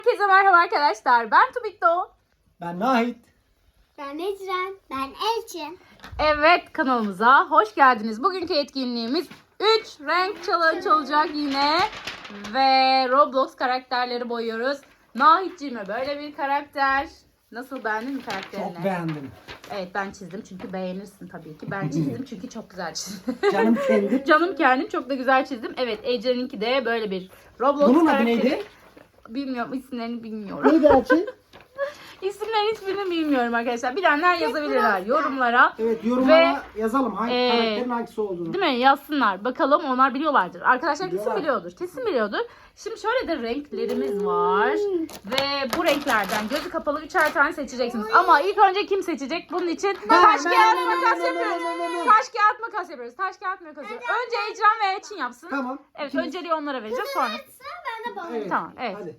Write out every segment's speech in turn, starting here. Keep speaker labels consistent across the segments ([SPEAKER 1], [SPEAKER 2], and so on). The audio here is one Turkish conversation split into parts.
[SPEAKER 1] Herkese merhaba arkadaşlar. Ben Tubikto.
[SPEAKER 2] Ben Nahit.
[SPEAKER 3] Ben Ecren. Ben Elçin.
[SPEAKER 1] Evet, kanalımıza hoş geldiniz. Bugünkü etkinliğimiz 3 renk challenge olacak yine. Ve Roblox karakterleri boyuyoruz. Nahit'cime böyle bir karakter. Nasıl, beğendin mi karakterini?
[SPEAKER 2] Çok beğendim.
[SPEAKER 1] Evet, ben çizdim çünkü beğenirsin tabii ki. Ben çizdim çünkü çok güzel çizdim.
[SPEAKER 2] Canım kendim.
[SPEAKER 1] Canım kendim çok da güzel çizdim. Evet, Ecren'inki de böyle bir Roblox
[SPEAKER 2] Bunun adı
[SPEAKER 1] karakteri.
[SPEAKER 2] neydi?
[SPEAKER 1] Bilmiyorum, isimlerini bilmiyorum.
[SPEAKER 2] Neydi Elçin?
[SPEAKER 1] İsimlerin hiçbirini bilmiyorum arkadaşlar. Bilenler yazabilirler yorumlara.
[SPEAKER 2] Evet, yorumlara yazalım hangi
[SPEAKER 1] Ee,
[SPEAKER 2] karakterin hangisi olduğunu.
[SPEAKER 1] Değil mi? Yazsınlar. Bakalım, onlar biliyorlardır. Arkadaşlar kesin
[SPEAKER 2] Biliyorlar.
[SPEAKER 1] biliyordur. Kesin biliyordur. Şimdi şöyle de renklerimiz var. Ve bu renklerden gözü kapalı 3'er tane seçeceksiniz. Ama ilk önce kim seçecek? Bunun için taş kağıt makas yapıyoruz. Taş kağıt makas yapıyoruz. Taş kağıt makas yapıyoruz. Önce Ecren ve Elçin yapsın.
[SPEAKER 2] Tamam.
[SPEAKER 1] Evet,
[SPEAKER 2] İkiniz-
[SPEAKER 1] önceliği onlara vereceğiz sonra.
[SPEAKER 3] Ben de bana.
[SPEAKER 2] Evet.
[SPEAKER 1] Tamam, evet.
[SPEAKER 2] Hadi.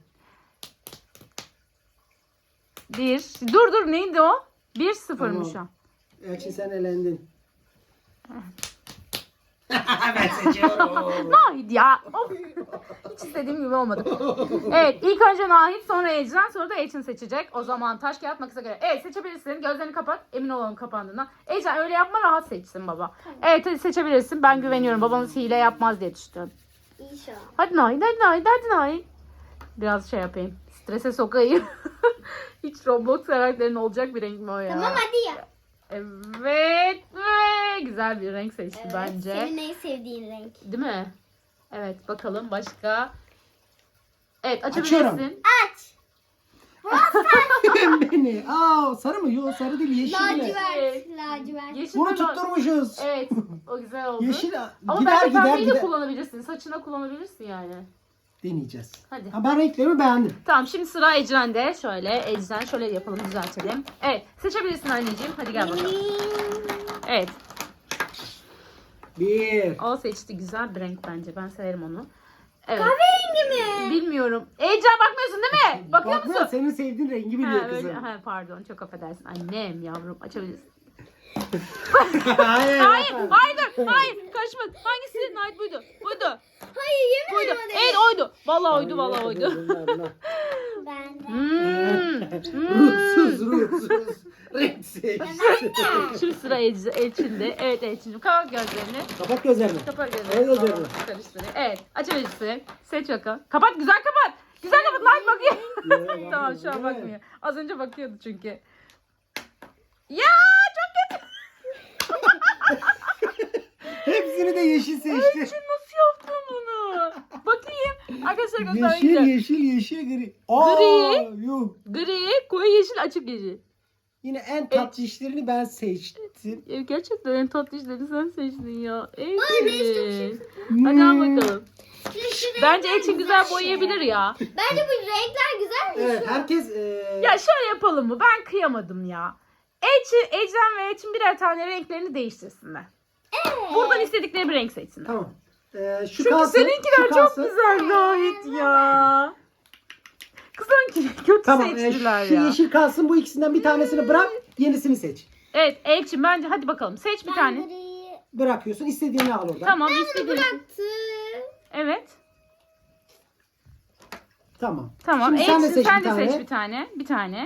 [SPEAKER 1] 1. Dur neydi o? 1-0 mı
[SPEAKER 2] Tamam.
[SPEAKER 1] şu an?
[SPEAKER 2] Elçin sen elendin. Ben seçiyorum.
[SPEAKER 1] Nahit ya. Of. Hiç istediğim gibi olmadı. Evet, ilk önce Nahit, sonra Ecren, sonra da Elçin seçecek. O zaman taş kağıt makasa göre. Evet, seçebilirsin. Gözlerini kapat. Emin olalım kapandığına. Ecren öyle yapma, rahat seçsin baba. Evet, hadi seçebilirsin. Ben güveniyorum. Babanız hile yapmaz diye düşünüyorum.
[SPEAKER 3] İnşallah.
[SPEAKER 1] Hadi Nahit. Biraz şey yapayım. Strese sokayım. Hiç Roblox karakterinin olacak bir renk mi o ya?
[SPEAKER 3] Tamam hadi ya.
[SPEAKER 1] Evet. Ve güzel bir renk seçti bence.
[SPEAKER 3] Senin en sevdiğin renk.
[SPEAKER 1] Değil mi? Evet, bakalım başka. Evet,
[SPEAKER 2] Açıyorum.
[SPEAKER 1] açabilirsin.
[SPEAKER 3] Aç.
[SPEAKER 2] Beni. Aa, sarı mı? Yok, sarı değil, yeşil mi?
[SPEAKER 3] Lacivert. Lacivert.
[SPEAKER 1] Yeşil
[SPEAKER 2] Bunu
[SPEAKER 1] de
[SPEAKER 2] tutturmuşuz.
[SPEAKER 1] Evet, o güzel oldu.
[SPEAKER 2] Yeşil
[SPEAKER 1] Ama
[SPEAKER 2] gider
[SPEAKER 1] bence
[SPEAKER 2] gider
[SPEAKER 1] pembeyi de
[SPEAKER 2] gider.
[SPEAKER 1] kullanabilirsin. Saçına kullanabilirsin yani.
[SPEAKER 2] Deneyeceğiz.
[SPEAKER 1] Hadi.
[SPEAKER 2] Ha, ben renklerimi beğendim.
[SPEAKER 1] Tamam, şimdi sıra Ecren'de. Ecren şöyle yapalım, düzeltelim. Evet, seçebilirsin anneciğim. Hadi gel bakalım. Evet,
[SPEAKER 2] Bir.
[SPEAKER 1] o seçti. Güzel bir renk bence. Ben severim onu. Evet.
[SPEAKER 3] Kahverengi mi?
[SPEAKER 1] Bilmiyorum. Ecren, bakmıyorsun değil mi? Bakıyor
[SPEAKER 2] Bakma,
[SPEAKER 1] musun?
[SPEAKER 2] senin sevdiğin rengi biliyor
[SPEAKER 1] Ha,
[SPEAKER 2] kızım.
[SPEAKER 1] öyle. Ha, pardon, çok affedersin. Annem, yavrum, açabilirsin.
[SPEAKER 2] Hayır.
[SPEAKER 1] Hayır, karışma. Hangisi? Night buydu.
[SPEAKER 3] Hayır yemin
[SPEAKER 1] Buydu.
[SPEAKER 3] ederim o değil.
[SPEAKER 1] Evet, oydu. Vallahi oydu.
[SPEAKER 3] Ben de.
[SPEAKER 2] Ruhsuz. Renk seç.
[SPEAKER 1] Şimdi sıra Elçin'de. Evet Elçin'cim, kapat gözlerini.
[SPEAKER 2] Kapat gözlerini.
[SPEAKER 1] Kapat
[SPEAKER 2] Evet,
[SPEAKER 1] gözlerini.
[SPEAKER 2] gözlerini.
[SPEAKER 1] Tamam, karıştır. Evet, açabilirsin. Seç bakalım. Kapat, güzel kapat. Güzel kapat. Night bakıyor. Tamam, şu an bakmıyor. Az önce bakıyordu çünkü. Ya çok kötü.
[SPEAKER 2] Hepsini de yeşil seçti.
[SPEAKER 1] Elçin, nasıl yaptın bunu? Bakayım. Arkadaşlar göstermek
[SPEAKER 2] Yeşil, gri. Aa,
[SPEAKER 1] Gri.
[SPEAKER 2] Yok.
[SPEAKER 1] Gri, koyu yeşil, açık yeşil.
[SPEAKER 2] Yine en tatlı işlerini ben seçtim.
[SPEAKER 1] Gerçekten en tatlı işlerini sen seçtin ya. Evet. Hadi al bakalım. Bence Elçin güzel boyayabilir ya.
[SPEAKER 3] Bence bu renkler güzelmiş.
[SPEAKER 2] Evet, herkes
[SPEAKER 1] Ya şöyle yapalım mı? Ben kıyamadım ya. Ecren ve Elçin birer tane renklerini değiştirsinler. Buradan istedikleri bir renk seçsinler.
[SPEAKER 2] tamam. Şu
[SPEAKER 1] Çünkü
[SPEAKER 2] kalsın.
[SPEAKER 1] seninkiler
[SPEAKER 2] şu
[SPEAKER 1] çok
[SPEAKER 2] kalsın.
[SPEAKER 1] güzel gayet ya. Kızınki kötü
[SPEAKER 2] Tamam.
[SPEAKER 1] seçtiler
[SPEAKER 2] Şu
[SPEAKER 1] ya.
[SPEAKER 2] yeşil kalsın. Bu ikisinden bir tanesini bırak. Yenisini seç.
[SPEAKER 1] Evet Elçin, bence hadi bakalım seç bir
[SPEAKER 3] Ben
[SPEAKER 1] tane.
[SPEAKER 3] griyi
[SPEAKER 2] Bırakıyorsun. İstediğini al oradan.
[SPEAKER 1] Tamam, istediğin.
[SPEAKER 3] bıraktım.
[SPEAKER 1] Evet.
[SPEAKER 2] Tamam.
[SPEAKER 1] Tamam.
[SPEAKER 2] Şimdi sen de
[SPEAKER 1] Elçin,
[SPEAKER 2] seç
[SPEAKER 1] sen
[SPEAKER 2] bir
[SPEAKER 1] de
[SPEAKER 2] tane.
[SPEAKER 1] seç bir tane. Bir tane.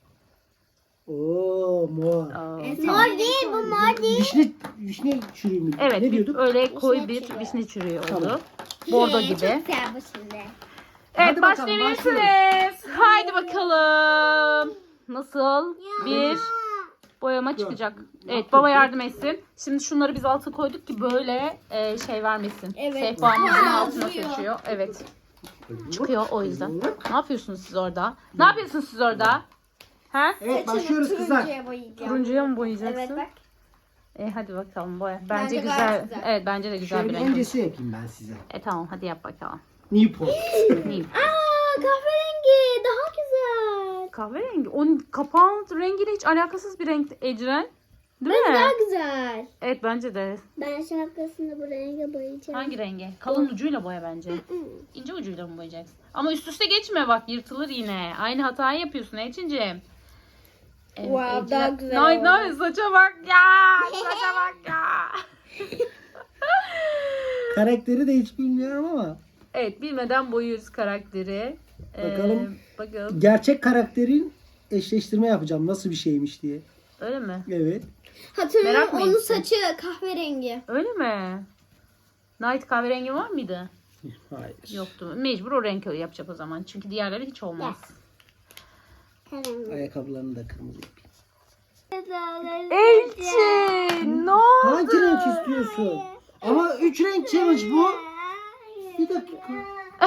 [SPEAKER 2] Oo, mor.
[SPEAKER 3] Mor değil bu mor değil.
[SPEAKER 2] Vişne çürüğü mü?
[SPEAKER 1] Evet,
[SPEAKER 2] Ne diyorduk?
[SPEAKER 1] öyle koyu
[SPEAKER 3] Vişne
[SPEAKER 1] bir
[SPEAKER 3] çürüğü.
[SPEAKER 1] vişne çürüğü oldu.
[SPEAKER 2] Tamam.
[SPEAKER 1] Bordo
[SPEAKER 3] Çok
[SPEAKER 1] gibi.
[SPEAKER 3] güzel bu şimdi.
[SPEAKER 1] Evet,
[SPEAKER 2] Hadi bakalım,
[SPEAKER 1] başlayabilirsiniz. Haydi bakalım. Nasıl bir boyama çıkacak. Evet, baba yardım etsin. Şimdi şunları biz alta koyduk ki böyle şey vermesin.
[SPEAKER 3] Evet.
[SPEAKER 1] Sehpamızın
[SPEAKER 3] Aa,
[SPEAKER 1] altına
[SPEAKER 3] çıkıyor.
[SPEAKER 1] seçiyor. Evet, çıkıyor o yüzden. Ne yapıyorsunuz siz orada? Ne yapıyorsunuz siz orada? Ha?
[SPEAKER 2] Evet, başlıyoruz kızlar.
[SPEAKER 3] Turuncuya boyayacağım.
[SPEAKER 1] Turuncuya mı boyayacaksın?
[SPEAKER 3] Evet bak.
[SPEAKER 1] Hadi bakalım boya. Bence
[SPEAKER 3] Bence
[SPEAKER 1] güzel.
[SPEAKER 3] gayet güzel.
[SPEAKER 1] Evet, bence de güzel bir
[SPEAKER 2] Şöyle
[SPEAKER 1] renk.
[SPEAKER 2] öncesi yapayım ben size.
[SPEAKER 1] Tamam, hadi yap bakalım.
[SPEAKER 2] Newport.
[SPEAKER 1] Neyim?
[SPEAKER 3] Aa kahverengi daha güzel.
[SPEAKER 1] Kahverengi. Onun kapağın rengiyle hiç alakasız bir renk Ecren. Değil mi?
[SPEAKER 3] Daha güzel.
[SPEAKER 1] Evet, bence de.
[SPEAKER 3] Ben şapkasını bu renge boyayacağım.
[SPEAKER 1] Hangi rengi? Kalın ucuyla boya bence. İnce ucuyla mı boyayacaksın? Ama üst üste geçme bak, yırtılır yine. Aynı hatayı yapıyorsun Elçinciğim. Evet,
[SPEAKER 3] Wow, daha güzel
[SPEAKER 1] Nay
[SPEAKER 3] oldu.
[SPEAKER 1] saça bak ya. Saça bak ya.
[SPEAKER 2] Karakteri de hiç bilmiyorum ama.
[SPEAKER 1] Evet, bilmeden boyuyoruz karakteri.
[SPEAKER 2] Bakalım.
[SPEAKER 1] Bakalım.
[SPEAKER 2] Gerçek karakterin eşleştirme yapacağım. Nasıl bir şeymiş diye.
[SPEAKER 1] Öyle mi?
[SPEAKER 2] Evet.
[SPEAKER 3] Hatırlıyorum
[SPEAKER 1] Merak mı
[SPEAKER 3] onun
[SPEAKER 1] ettin?
[SPEAKER 3] saçı kahverengi.
[SPEAKER 1] Öyle mi? Night kahverengi var mıydı?
[SPEAKER 2] Hayır.
[SPEAKER 1] Yoktu. Mecbur o renk yapacak o zaman. Çünkü diğerleri hiç olmaz.
[SPEAKER 2] Ayakkabılarını da kırmızı yapayım.
[SPEAKER 1] Elçin! Ne oldu?
[SPEAKER 2] Hangi renk istiyorsun? Ama 3 renk challenge bu. Bir dakika.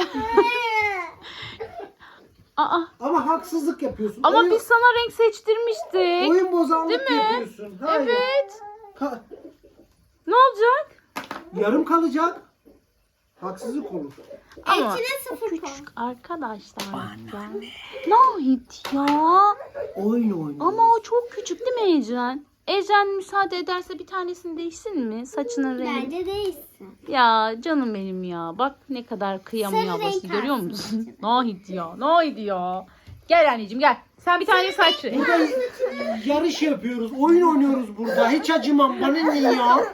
[SPEAKER 1] Aa,
[SPEAKER 2] Ama haksızlık yapıyorsun.
[SPEAKER 1] ama
[SPEAKER 2] oyun,
[SPEAKER 1] biz sana renk seçtirmiştik.
[SPEAKER 2] oyun bozanlık
[SPEAKER 1] Değil mi?
[SPEAKER 2] yapıyorsun. Hayır.
[SPEAKER 1] Evet.
[SPEAKER 2] Ka-
[SPEAKER 1] Ne olacak?
[SPEAKER 2] yarım kalacak. Haksızlık olur.
[SPEAKER 1] Ama
[SPEAKER 3] Elçine 0 puan.
[SPEAKER 1] arkadaşlar ya. Nahit ya.
[SPEAKER 2] Oyun oynuyor.
[SPEAKER 1] Ama o çok küçük değil mi Ecren? Ecren müsaade ederse bir tanesini değişsin mi? Saçının rengi.
[SPEAKER 3] Bence değilsin.
[SPEAKER 1] Ya canım benim ya. Bak ne kadar kıyamıyor
[SPEAKER 3] Sarı
[SPEAKER 1] ablası.
[SPEAKER 3] renk
[SPEAKER 1] Görüyor
[SPEAKER 3] alsın
[SPEAKER 1] musun? Nahit ya. Nahit ya. Gel anneciğim gel. Sen bir tane saç.
[SPEAKER 2] Burada yarış yapıyoruz. Oyun oynuyoruz burada. Hiç acımam. Bana ne ya?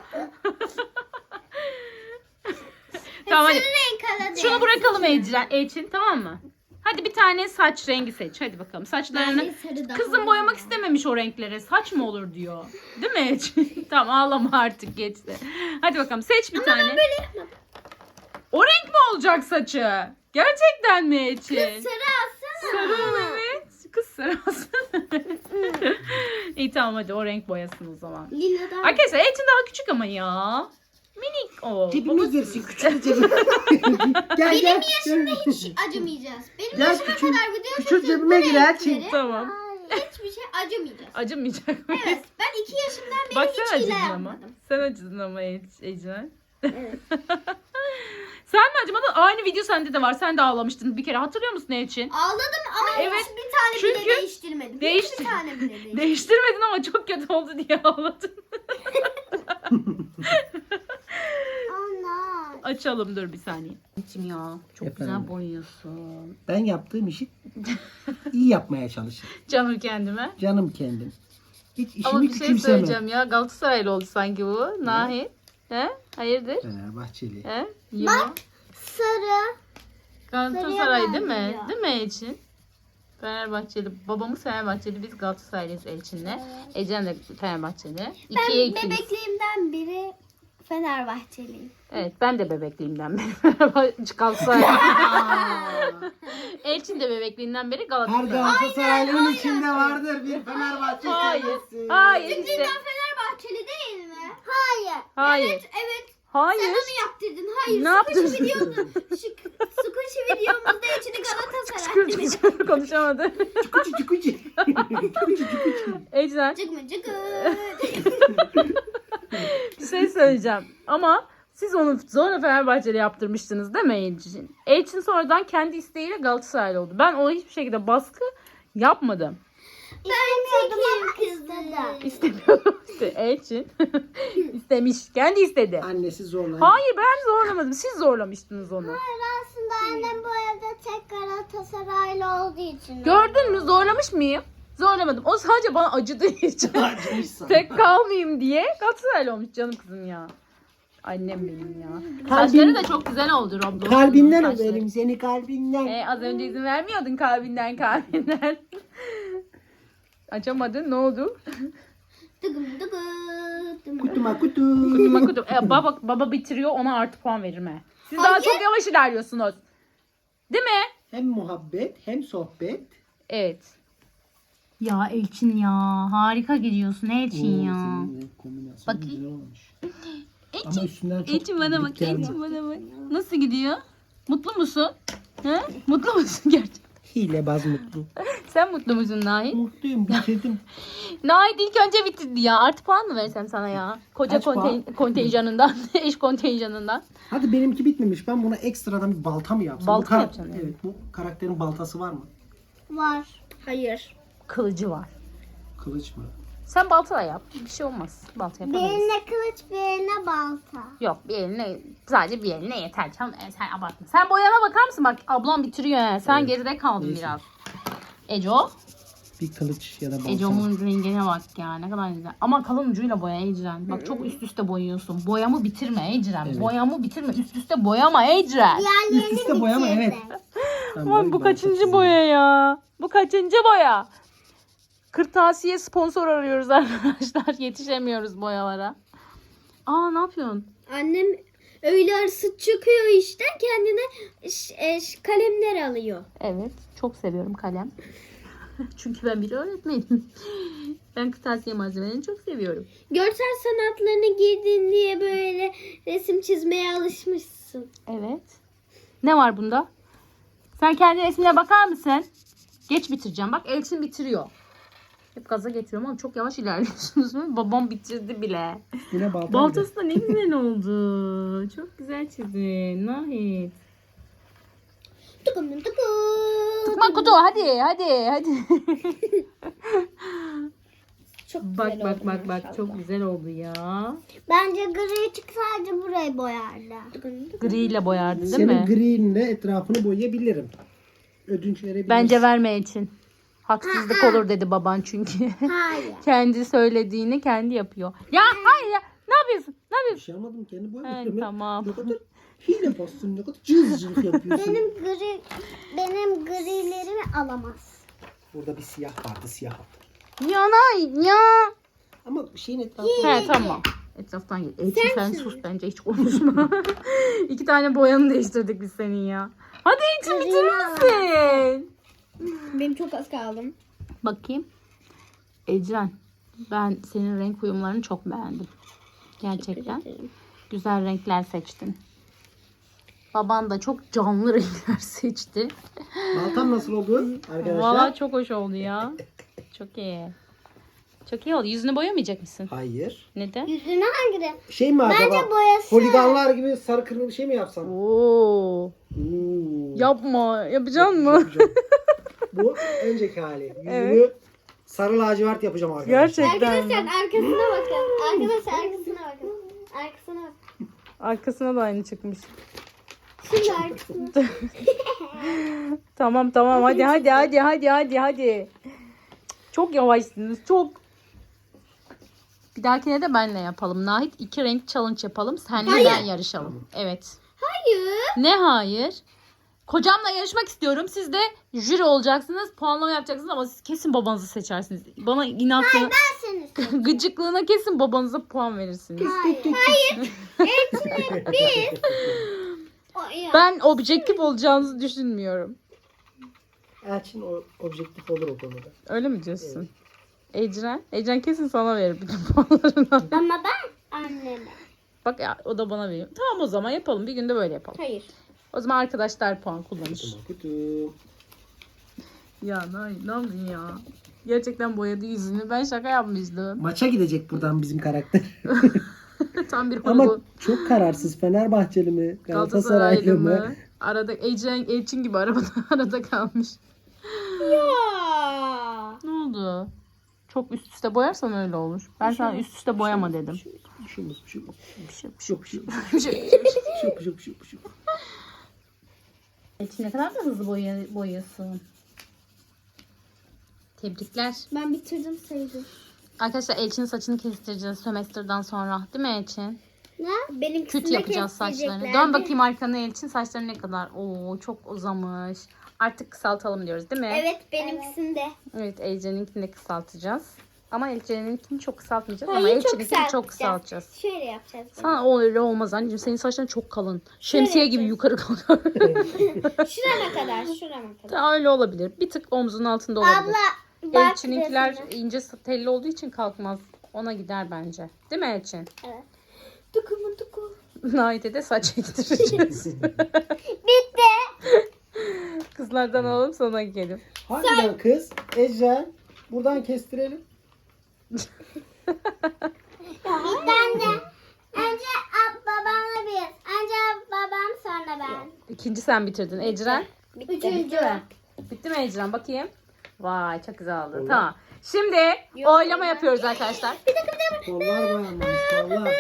[SPEAKER 1] Tamam hadi.
[SPEAKER 3] Renk aladı.
[SPEAKER 1] Şunu bırakalım Ecren. Elçin tamam mı? Hadi bir tane saç rengi seç. Hadi bakalım. Saçlarını.
[SPEAKER 3] Bence sarı daha
[SPEAKER 1] Kızım
[SPEAKER 3] iyi
[SPEAKER 1] boyamak
[SPEAKER 3] ya.
[SPEAKER 1] istememiş o renklere. Saç mı olur diyor. Değil mi Elçin? Tamam ağlama artık geçti. Hadi bakalım seç bir tane. O renk mi olacak saçı? Gerçekten mi Elçin?
[SPEAKER 3] Sarı alsana.
[SPEAKER 1] Sarı evet. Kız sarı olsun. İyi tamam hadi o renk boyasın o zaman.
[SPEAKER 3] Liladan.
[SPEAKER 1] Arkadaşlar Elçin daha küçük ama ya. Minik o.
[SPEAKER 2] Cebime
[SPEAKER 1] Babası-
[SPEAKER 2] girsin. Küçük cebime. Gel gel.
[SPEAKER 3] Yaşında hiç acımayacağız. Benim
[SPEAKER 2] Gel
[SPEAKER 3] yaşıma
[SPEAKER 2] küçük-
[SPEAKER 3] kadar video
[SPEAKER 2] küçük
[SPEAKER 3] çektik,
[SPEAKER 2] cebime
[SPEAKER 3] bu
[SPEAKER 2] gir Elçin.
[SPEAKER 3] renkleri.
[SPEAKER 1] Tamam.
[SPEAKER 3] Hiçbir şey acımayacağız.
[SPEAKER 1] Acımayacak mı?
[SPEAKER 3] Evet. Ben 2 yaşımdan beri
[SPEAKER 1] Bak
[SPEAKER 3] hiç
[SPEAKER 1] sen
[SPEAKER 3] hile
[SPEAKER 1] acıdın ama.
[SPEAKER 3] yapmadım.
[SPEAKER 1] Sen acıdın ama Ecren.
[SPEAKER 3] Evet.
[SPEAKER 1] Sen mi acımadın? Aynı video sende de var. Sen de ağlamıştın bir kere. Hatırlıyor musun Elçin?
[SPEAKER 3] Ağladım ama
[SPEAKER 1] Evet,
[SPEAKER 3] hiç bir tane
[SPEAKER 1] çünkü
[SPEAKER 3] bile değiştirmedim.
[SPEAKER 1] değiştir-
[SPEAKER 3] Hiçbir tane bile değiştirmedim.
[SPEAKER 1] Değiştirmedin ama çok kötü oldu diye ağladın.
[SPEAKER 3] Ana.
[SPEAKER 1] Açalım dur bir saniye. Elçin ya çok
[SPEAKER 2] Efendim?
[SPEAKER 1] güzel boyuyorsun.
[SPEAKER 2] Ben yaptığım işi iyi yapmaya çalışırım.
[SPEAKER 1] Canım kendime.
[SPEAKER 2] Canım kendim. Hiç
[SPEAKER 1] Ama
[SPEAKER 2] işimi
[SPEAKER 1] bir şey
[SPEAKER 2] küçümsemem.
[SPEAKER 1] söyleyeceğim ya. Galatasaraylı oldu sanki bu. Nahit. He? Hayırdır?
[SPEAKER 2] Fenerbahçeli.
[SPEAKER 1] He? Bak.
[SPEAKER 3] Sarı.
[SPEAKER 1] Galatasaray değil mi?
[SPEAKER 3] benziyor.
[SPEAKER 1] Değil mi Elçin? Fenerbahçeli. Babamız Fenerbahçeli. Biz Galatasaraylıyız Elçin'le. Ecen de Fenerbahçeli.
[SPEAKER 3] Ben
[SPEAKER 1] 2'ye 2'yiz.
[SPEAKER 3] bebekliğimden beri Fenerbahçeliyim.
[SPEAKER 1] Evet ben de bebekliğimden beri Fenerbahçe Galatasaray. Elçin de bebekliğinden beri
[SPEAKER 2] Her
[SPEAKER 1] Galatasaray.
[SPEAKER 2] Galatasaraylı'nın içinde vardır bir Fenerbahçe
[SPEAKER 1] Hayır.
[SPEAKER 2] sevgisi.
[SPEAKER 1] Hayır işte.
[SPEAKER 3] Küçüklüğünden Fenerbahçeli değil mi? Hayır.
[SPEAKER 1] Hayır.
[SPEAKER 3] Evet.
[SPEAKER 1] Hayır.
[SPEAKER 3] Sen onu yaptırdın. Hayır.
[SPEAKER 1] Ne yaptın?
[SPEAKER 3] Squishy videomuzda içini Galatasaray.
[SPEAKER 1] Çıkır konuşamadı.
[SPEAKER 2] Çukucu çukucu. Çukucu çukucu.
[SPEAKER 1] Ecen
[SPEAKER 3] Cık cık.
[SPEAKER 1] bir şey söyleyeceğim. Ama siz onu zorla Fenerbahçeli yaptırmıştınız değil mi Elçin? Elçin sonradan kendi isteğiyle Galatasaraylı oldu. Ben ona hiçbir şekilde baskı yapmadım.
[SPEAKER 3] İstemiyordum ama kızdı.
[SPEAKER 1] İstemiyordum işte Elçin. İstemiş. Kendi istedi.
[SPEAKER 2] Annesi zorla.
[SPEAKER 1] Hayır ben zorlamadım. Siz zorlamıştınız onu.
[SPEAKER 3] Aslında annem bu evde tek Galatasaraylı olduğu için.
[SPEAKER 1] Gördün mü? Zorlamış mıyım? Zorlamadım. O sadece bana acıdığı için.
[SPEAKER 2] Acımışsın.
[SPEAKER 1] Tek kalmayayım diye Galatasaraylı olmuş canım kızım ya. Annem benim ya.
[SPEAKER 2] Kalbin-
[SPEAKER 1] Saçları da çok güzel oldu Roblox'un
[SPEAKER 2] Kalbinden
[SPEAKER 1] saçları.
[SPEAKER 2] öperim seni kalbinden.
[SPEAKER 1] Az önce izin vermiyordun kalbinden. Açamadın ne oldu?
[SPEAKER 3] Dıgım dıgı.
[SPEAKER 2] Kutuma kutu.
[SPEAKER 1] Kutuma kutum. Baba bitiriyor ona artı puan veririm he. Siz daha çok yavaş ilerliyorsunuz. Değil mi?
[SPEAKER 2] Hem muhabbet hem sohbet.
[SPEAKER 1] Evet. Ya Elçin ya harika gidiyorsun Elçin
[SPEAKER 2] Oo,
[SPEAKER 1] ya.
[SPEAKER 2] senin renk kombinasyonun
[SPEAKER 1] Bakayım.
[SPEAKER 2] güzel olmuş. Ama üstünden çok
[SPEAKER 1] Elçin bana bak,
[SPEAKER 2] birikti ama.
[SPEAKER 1] Elçin bana bak. Nasıl gidiyor? Mutlu musun? He? Mutlu musun gerçekten?
[SPEAKER 2] Hilebaz mutlu.
[SPEAKER 1] Sen mutlu musun Nahit?
[SPEAKER 2] Mutluyum bitirdim.
[SPEAKER 1] Nahit ilk önce bitirdi ya. Artı puan mı versem sana ya? Koca
[SPEAKER 2] Kaç puan?
[SPEAKER 1] kontenjanından, eş kontenjanından.
[SPEAKER 2] Hadi benimki bitmemiş. Ben buna ekstradan bir balta mı yapsam?
[SPEAKER 1] Balta
[SPEAKER 2] Bu
[SPEAKER 1] yapacaksın, evet.
[SPEAKER 2] Evet bu karakterin baltası var mı?
[SPEAKER 3] Var. Hayır.
[SPEAKER 1] Kılıcı var.
[SPEAKER 2] Kılıç mı?
[SPEAKER 1] Sen baltayla yap. Bir şey olmaz. Balta
[SPEAKER 3] Bir
[SPEAKER 1] yapabiliriz.
[SPEAKER 3] eline kılıç, bir eline balta.
[SPEAKER 1] Yok bir eline sadece bir eline yeter. Canım. Sen abartma. Sen boyana bakar mısın? Bak ablam bitiriyor he. Sen
[SPEAKER 2] Evet.
[SPEAKER 1] geride kaldın
[SPEAKER 2] Neyse.
[SPEAKER 1] biraz. Eco.
[SPEAKER 2] Bir kılıç ya da balta.
[SPEAKER 1] Eco'nun rengine bak ya. Ne kadar güzel. Ama kalın ucuyla boya Ecren. Bak çok üst üste boyuyorsun. Boyamı bitirme Ecren.
[SPEAKER 2] Evet.
[SPEAKER 1] Boyamı bitirme. Üst üste boyama Ecren.
[SPEAKER 2] Üst üste boyama evet.
[SPEAKER 1] Ama bu kaçıncı boya ya? Bu kaçıncı boya? Kırtasiye sponsor arıyoruz arkadaşlar. Yetişemiyoruz boyalara. Aa, ne yapıyorsun?
[SPEAKER 3] Annem öğle arası çıkıyor işten kendine kalemler alıyor.
[SPEAKER 1] Evet. Çok seviyorum kalem. Çünkü ben bir öğretmenim. Ben kırtasiye malzemelerini çok seviyorum.
[SPEAKER 3] Görsel sanatlarını girdin diye böyle resim çizmeye alışmışsın.
[SPEAKER 1] Evet. Ne var bunda? Sen kendi resmine bakar mısın? Geç bitireceğim. Bak Elçin bitiriyor. Hep gaza getiriyorum ama çok yavaş ilerliyorsunuz. Babam bitirdi bile.
[SPEAKER 2] Yine baltam.
[SPEAKER 1] Baltası da ne güzel oldu. Çok güzel çizdin. Nahit.
[SPEAKER 3] Tıkım tıkım.
[SPEAKER 1] Tıkma kutu, hadi.
[SPEAKER 3] Çok
[SPEAKER 1] Bak
[SPEAKER 3] güzel
[SPEAKER 1] bak
[SPEAKER 3] oldu
[SPEAKER 1] bak bak
[SPEAKER 3] maşallah.
[SPEAKER 1] çok güzel oldu ya.
[SPEAKER 3] Bence gri çıksaydı burayı boyardı.
[SPEAKER 1] Griyle boyardı değil
[SPEAKER 2] Senin
[SPEAKER 1] mi?
[SPEAKER 2] greenle etrafını boyayabilirim. Ödünç verebiliriz.
[SPEAKER 1] Bence verme için. Haksızlık olur dedi baban çünkü.
[SPEAKER 3] Hayır.
[SPEAKER 1] Kendi söylediğini kendi yapıyor. Ya hayır ya. Ne yapıyorsun? Ne
[SPEAKER 2] Bir
[SPEAKER 1] yapıyorsun?
[SPEAKER 2] şey almadım kendi
[SPEAKER 1] Evet,
[SPEAKER 2] boyamıyorum.
[SPEAKER 1] tamam.
[SPEAKER 2] Ne kadar hile bastın, ne kadar cız yapıyorsun.
[SPEAKER 3] Benim grilerimi alamaz.
[SPEAKER 2] Burada bir siyah vardı, siyah aldım.
[SPEAKER 1] Ya Nahit ya.
[SPEAKER 2] Ama şeyin etrafı...
[SPEAKER 1] He tamam. Etraftan gel. Elçin sen sus bence hiç konuşma. 2 tane boyanı değiştirdik biz senin ya. Hadi Elçin bitirir misin?
[SPEAKER 3] Benim çok az kaldım.
[SPEAKER 1] Bakayım. Ecren, ben senin renk uyumlarını çok beğendim. Gerçekten. Güzel renkler seçtin. Baban da çok canlı renkler seçti.
[SPEAKER 2] Baltam nasıl oldu arkadaşlar?
[SPEAKER 1] Valla çok hoş oldu ya. Çok iyi. Çok iyi oldu. Yüzünü boyamayacak mısın?
[SPEAKER 2] Hayır.
[SPEAKER 1] Neden?
[SPEAKER 3] Yüzüne hangi renk?
[SPEAKER 2] Şey mi acaba?
[SPEAKER 3] Bence boyası.
[SPEAKER 2] Poligonlar gibi sarı kırmızı şey mi yapsam?
[SPEAKER 1] Oo.
[SPEAKER 2] Oo.
[SPEAKER 1] Yapma. Yapacaksın mı?
[SPEAKER 2] Yapacağım. Bu önceki hali. Yüzünü
[SPEAKER 1] Evet.
[SPEAKER 2] sarı lacivert yapacağım arkadaşlar.
[SPEAKER 1] Gerçekten
[SPEAKER 3] Arkadaşlar
[SPEAKER 1] mi?
[SPEAKER 3] arkasına bakın. Arkadaşlar arkasına bakın. Arkasına bakın.
[SPEAKER 1] Arkasına da aynı çıkmış.
[SPEAKER 3] Şimdi arkasına.
[SPEAKER 1] Tamam hadi. Çok yavaşsınız çok. Bir dahakine de benle yapalım. Nahit 2 renk challenge yapalım. Senle
[SPEAKER 3] Hayır.
[SPEAKER 1] ben yarışalım. Evet.
[SPEAKER 3] Hayır.
[SPEAKER 1] Ne hayır? Kocamla yarışmak istiyorum. Siz de jüri olacaksınız. Puanlama yapacaksınız ama siz kesin babanızı seçersiniz. Bana inatla
[SPEAKER 3] Ben seni istiyorum.
[SPEAKER 1] gıcıklığına kesin babanıza puan verirsiniz.
[SPEAKER 3] Hayır. Hepsini biz.
[SPEAKER 1] Ben objektif olacağınızı düşünmüyorum.
[SPEAKER 2] Elçin objektif olur o konuda.
[SPEAKER 1] Öyle mi diyorsun? Ecren kesin sana verir bütün puanlarını.
[SPEAKER 3] Ama ben anneme.
[SPEAKER 1] Bak ya, o da bana veriyor. Tamam o zaman yapalım. Bir günde böyle yapalım.
[SPEAKER 3] Hayır.
[SPEAKER 1] O zaman arkadaşlar puan kullanır.
[SPEAKER 2] Tamam kötü.
[SPEAKER 1] Ya ne yaptın ya? Gerçekten boyadı yüzünü. Ben şaka yapmıştım.
[SPEAKER 2] Maça gidecek buradan bizim karakter.
[SPEAKER 1] Tam bir
[SPEAKER 2] Ama
[SPEAKER 1] hurgu.
[SPEAKER 2] çok kararsız. Fenerbahçeli mi?
[SPEAKER 1] Galatasaraylı
[SPEAKER 2] Galatasaraylı mı?
[SPEAKER 1] mı? Arada Elçin gibi arada kalmış.
[SPEAKER 3] Ya.
[SPEAKER 1] Ne oldu? Çok üst üste boyarsan öyle olur. Ben sana üst üste boyama dedim.
[SPEAKER 2] Bir şey olmaz, bir şey olmaz.
[SPEAKER 1] Bir şey-
[SPEAKER 2] Bir şey yok, bir şey yok.
[SPEAKER 1] bir şey-
[SPEAKER 2] Bir şey yok, bir şey yok, bir şey yok, bir şey yok.
[SPEAKER 1] Elçin ne kadar da hızlı boyuyorsun. Tebrikler.
[SPEAKER 3] Ben bitirdim sayılır.
[SPEAKER 1] Arkadaşlar Elçin'in saçını kestireceğiz sömestrden sonra. Değil mi Elçin?
[SPEAKER 3] Ne? Benimkisini
[SPEAKER 1] Küt yapacağız saçlarını. Dön bakayım arkana Elçin. Saçların ne kadar? Oo çok uzamış. Artık kısaltalım diyoruz değil mi?
[SPEAKER 3] Evet benimkisinde.
[SPEAKER 1] Evet Ece'ninkini de kısaltacağız. Ama Ece'ninkini çok kısaltmayacağız ama
[SPEAKER 3] Hayır, çok
[SPEAKER 1] Elçin'inkini çok kısaltacağız.
[SPEAKER 3] Şöyle yapacağız.
[SPEAKER 1] Sana o öyle olmaz anneciğim. Senin saçların çok kalın. Şemsiye gibi yukarı kalkar.
[SPEAKER 3] Şurama kadar, şurama kadar.
[SPEAKER 1] Tamam, öyle olabilir. Bir tık omzunun altında olabilir.
[SPEAKER 3] Abla bak
[SPEAKER 1] Elçin'inkiler
[SPEAKER 3] resmine.
[SPEAKER 1] ince telli olduğu için kalkmaz. Ona gider bence. Değil mi Elçin?
[SPEAKER 3] Evet. Tukumu tuku.
[SPEAKER 1] Nait'e de saç ektireceğiz.
[SPEAKER 3] Bitti.
[SPEAKER 1] Kızlardan alalım sonra gidelim.
[SPEAKER 2] Harbiden kız. Ecren. Buradan kestirelim.
[SPEAKER 3] Bitti anne. Önce babamla biz. Önce babam sonra ben.
[SPEAKER 1] İkinci sen bitirdin. Ecren.
[SPEAKER 3] Üçüncü.
[SPEAKER 1] Bitti mi Ecren? Bakayım. Vay çok güzel oldu. Tamam. Şimdi oylama yapıyoruz arkadaşlar.
[SPEAKER 2] Kollar boyanmamış, kollar.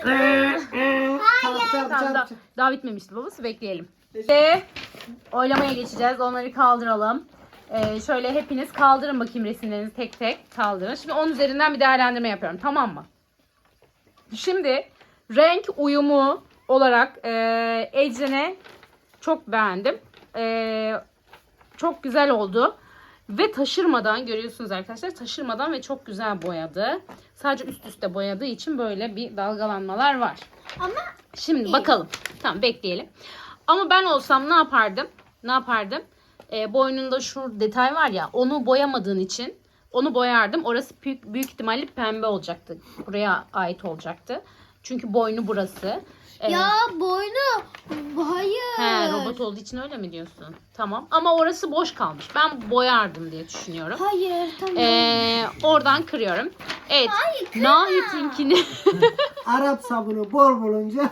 [SPEAKER 1] Tamam, daha bitmemişti babası. Bekleyelim. Ve oylamaya geçeceğiz. Onları kaldıralım. Şöyle hepiniz kaldırın bakayım resimlerinizi tek tek kaldırın. Şimdi 10 üzerinden bir değerlendirme yapıyorum. Tamam mı? Şimdi renk uyumu olarak Ecren'e çok beğendim. çok güzel oldu. Ve taşırmadan görüyorsunuz arkadaşlar, taşırmadan ve çok güzel boyadı. Sadece üst üste boyadığı için böyle bir dalgalanmalar var.
[SPEAKER 3] Ama
[SPEAKER 1] Şimdi bakalım. Tamam, bekleyelim. Ama ben olsam ne yapardım? Ne yapardım? Boynunda şu detay var ya, onu boyamadığın için onu boyardım. Orası büyük ihtimalle pembe olacaktı. Buraya ait olacaktı. Çünkü boynu burası.
[SPEAKER 3] ya boynu. Hayır.
[SPEAKER 1] He, robot olduğu için öyle mi diyorsun? Tamam. Ama orası boş kalmış. Ben boyardım diye düşünüyorum.
[SPEAKER 3] Hayır tamam.
[SPEAKER 1] Oradan kırıyorum. Evet.
[SPEAKER 3] Hayır, kırma.
[SPEAKER 1] Nahit'inkini
[SPEAKER 2] Arap sabunu bol bulunca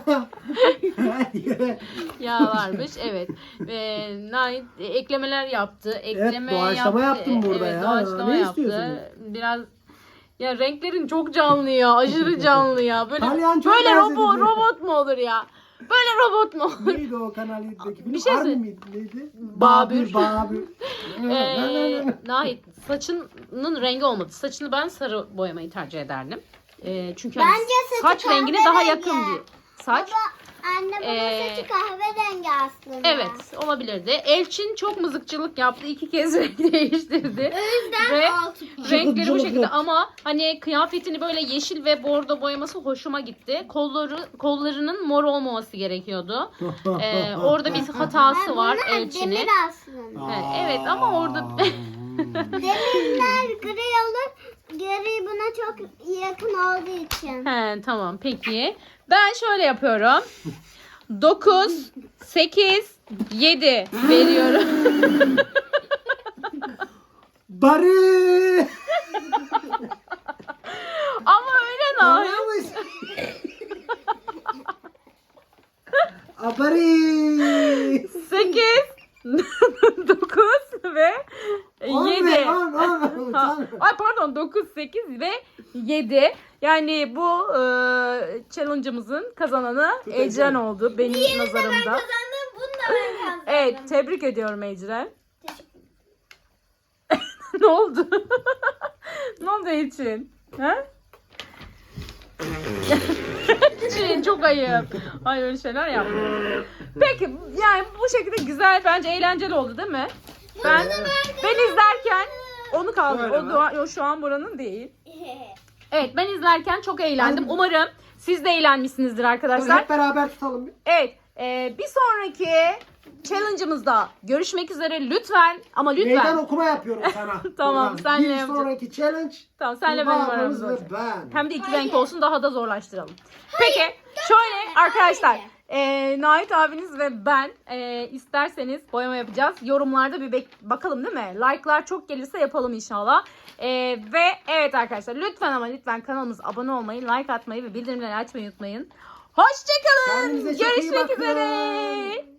[SPEAKER 1] ya varmış. Evet. Nahit eklemeler yaptı. Ekleme
[SPEAKER 2] doğaçlama
[SPEAKER 1] yaptı.
[SPEAKER 2] yaptım burada
[SPEAKER 1] evet,
[SPEAKER 2] ya.
[SPEAKER 1] Doğaçlama
[SPEAKER 2] Ne
[SPEAKER 1] yaptı.
[SPEAKER 2] istiyorsunuz?
[SPEAKER 1] Biraz ya renklerin çok canlı ya. Aşırı canlı ya. Böyle
[SPEAKER 2] Palyaço
[SPEAKER 1] böyle
[SPEAKER 2] benzedim.
[SPEAKER 1] robot mu olur ya? Böyle robot mu olur?
[SPEAKER 2] Neydi o Kanal 7'deki film?
[SPEAKER 1] Bir şey
[SPEAKER 2] Army
[SPEAKER 1] söyle-
[SPEAKER 2] miydi? Neydi?
[SPEAKER 1] Babür.
[SPEAKER 2] Babür.
[SPEAKER 1] Nahit saçının rengi olmadı. Saçını ben sarı boyamayı tercih ederdim. Çünkü
[SPEAKER 3] Bence
[SPEAKER 1] hani
[SPEAKER 3] saçı
[SPEAKER 1] saç rengine daha
[SPEAKER 3] kahverengi.
[SPEAKER 1] yakın bir saç.
[SPEAKER 3] Anne bunun saçı kahverengi aslında.
[SPEAKER 1] Evet, olabilirdi. Elçin çok mızıkçılık yaptı. 2 kez renk değiştirdi.
[SPEAKER 3] O yüzden
[SPEAKER 1] Ve
[SPEAKER 3] 6
[SPEAKER 1] renkleri bu
[SPEAKER 2] Cıvık
[SPEAKER 1] şekilde
[SPEAKER 2] cıvık.
[SPEAKER 1] ama hani kıyafetini böyle yeşil ve bordo boyaması hoşuma gitti. Kollarının mor olmaması gerekiyordu. Orada bir hatası var Elçin'in.
[SPEAKER 3] demir aslında.
[SPEAKER 1] Evet ama orada
[SPEAKER 3] Demirler gri olur. Gri buna çok yakın olduğu için.
[SPEAKER 1] He, tamam peki. Ben şöyle yapıyorum. 9, 8, 7 veriyorum.
[SPEAKER 2] Barı.
[SPEAKER 1] Ama öyle Nahit.
[SPEAKER 2] Anlamış. Abari.
[SPEAKER 1] 8, 9 ve 7. Ay pardon 9, 8 ve 7. Yani bu challenge'ımızın kazananı Ecren oldu benim nazarımda.
[SPEAKER 3] Kazandım bunu da ben kazandım.
[SPEAKER 1] Evet, tebrik ediyorum Ecren. Ne oldu? Ne oldu Elçin? Ha? Elçin çok ayıp. Ay öyle şeyler yapma. Peki yani bu şekilde güzel, bence eğlenceli oldu değil mi? Ben izlerken onu kaldı. O şu an buranın değil. Evet, ben izlerken çok eğlendim. Umarım siz de eğlenmişsinizdir arkadaşlar.
[SPEAKER 2] Hep beraber tutalım.
[SPEAKER 1] Evet, bir sonraki challenge'ımızda görüşmek üzere. Lütfen ama lütfen.
[SPEAKER 2] Meydan okuma yapıyorum sana.
[SPEAKER 1] Tamam,
[SPEAKER 2] Buradan.
[SPEAKER 1] senle
[SPEAKER 2] Bir
[SPEAKER 1] yapacağım.
[SPEAKER 2] sonraki challenge.
[SPEAKER 1] Tamam, senle
[SPEAKER 2] Tuğba
[SPEAKER 1] benim
[SPEAKER 2] ablamız
[SPEAKER 1] aramızda
[SPEAKER 2] ve
[SPEAKER 1] olacak.
[SPEAKER 2] ben.
[SPEAKER 1] Hem de iki renk olsun, daha da zorlaştıralım. Peki şöyle arkadaşlar, Nahit abiniz ve ben isterseniz boyama yapacağız. Yorumlarda bir bakalım değil mi? Like'lar çok gelirse yapalım inşallah. Ve evet arkadaşlar, lütfen ama lütfen kanalımıza abone olmayı, like atmayı ve bildirimleri açmayı unutmayın. Hoşçakalın.
[SPEAKER 2] Kendinize çok iyi
[SPEAKER 1] Görüşmek
[SPEAKER 2] bakın.
[SPEAKER 1] üzere.